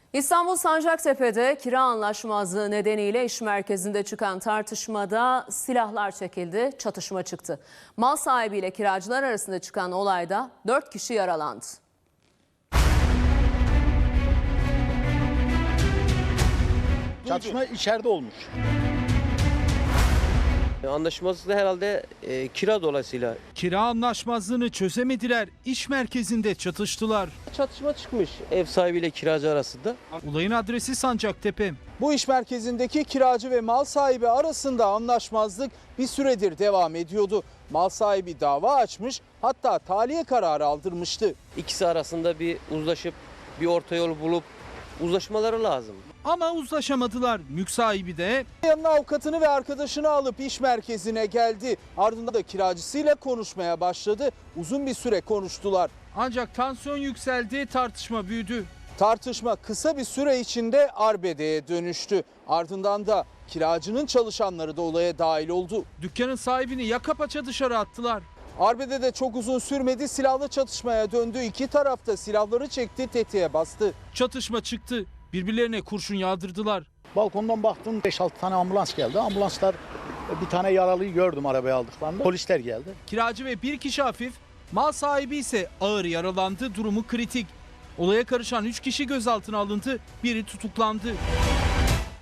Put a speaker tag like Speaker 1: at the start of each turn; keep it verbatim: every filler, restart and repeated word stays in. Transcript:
Speaker 1: İstanbul Sancaktepe'de kira anlaşmazlığı nedeniyle iş merkezinde çıkan tartışmada silahlar çekildi, çatışma çıktı. Mal sahibiyle kiracılar arasında çıkan olayda dört kişi yaralandı.
Speaker 2: Çatışma içeride olmuş.
Speaker 3: Anlaşmazlık da herhalde e, kira dolayısıyla.
Speaker 4: Kira anlaşmazlığını çözemediler, iş merkezinde çatıştılar.
Speaker 3: Çatışma çıkmış ev sahibiyle kiracı arasında.
Speaker 4: Olayın adresi Sancaktepe.
Speaker 2: Bu iş merkezindeki kiracı ve mal sahibi arasında anlaşmazlık bir süredir devam ediyordu. Mal sahibi dava açmış, hatta tahliye kararı aldırmıştı.
Speaker 3: İkisi arasında bir uzlaşıp bir orta yol bulup uzlaşmaları lazım.
Speaker 4: Ama uzlaşamadılar. Mülk sahibi de
Speaker 2: Yanına avukatını ve arkadaşını alıp iş merkezine geldi. Ardından da kiracısıyla konuşmaya başladı. Uzun bir süre konuştular.
Speaker 4: ancak tansiyon yükseldi, tartışma büyüdü.
Speaker 2: Tartışma kısa bir süre içinde arbedeye dönüştü. Ardından da kiracının çalışanları da olaya dahil oldu.
Speaker 4: Dükkanın sahibini yaka paça dışarı attılar.
Speaker 2: Arbede de çok uzun sürmedi, silahlı çatışmaya döndü. İki taraf da silahları çekti, tetiğe bastı.
Speaker 4: Çatışma çıktı. Birbirlerine kurşun yağdırdılar.
Speaker 5: Balkondan baktım beş altı tane ambulans geldi. Ambulanslar bir tane yaralıyı gördüm arabaya aldıklarında. Polisler geldi.
Speaker 4: Kiracı ve bir kişi hafif, mal sahibi ise ağır yaralandı, durumu kritik. Olaya karışan üç kişi gözaltına alındı, biri tutuklandı.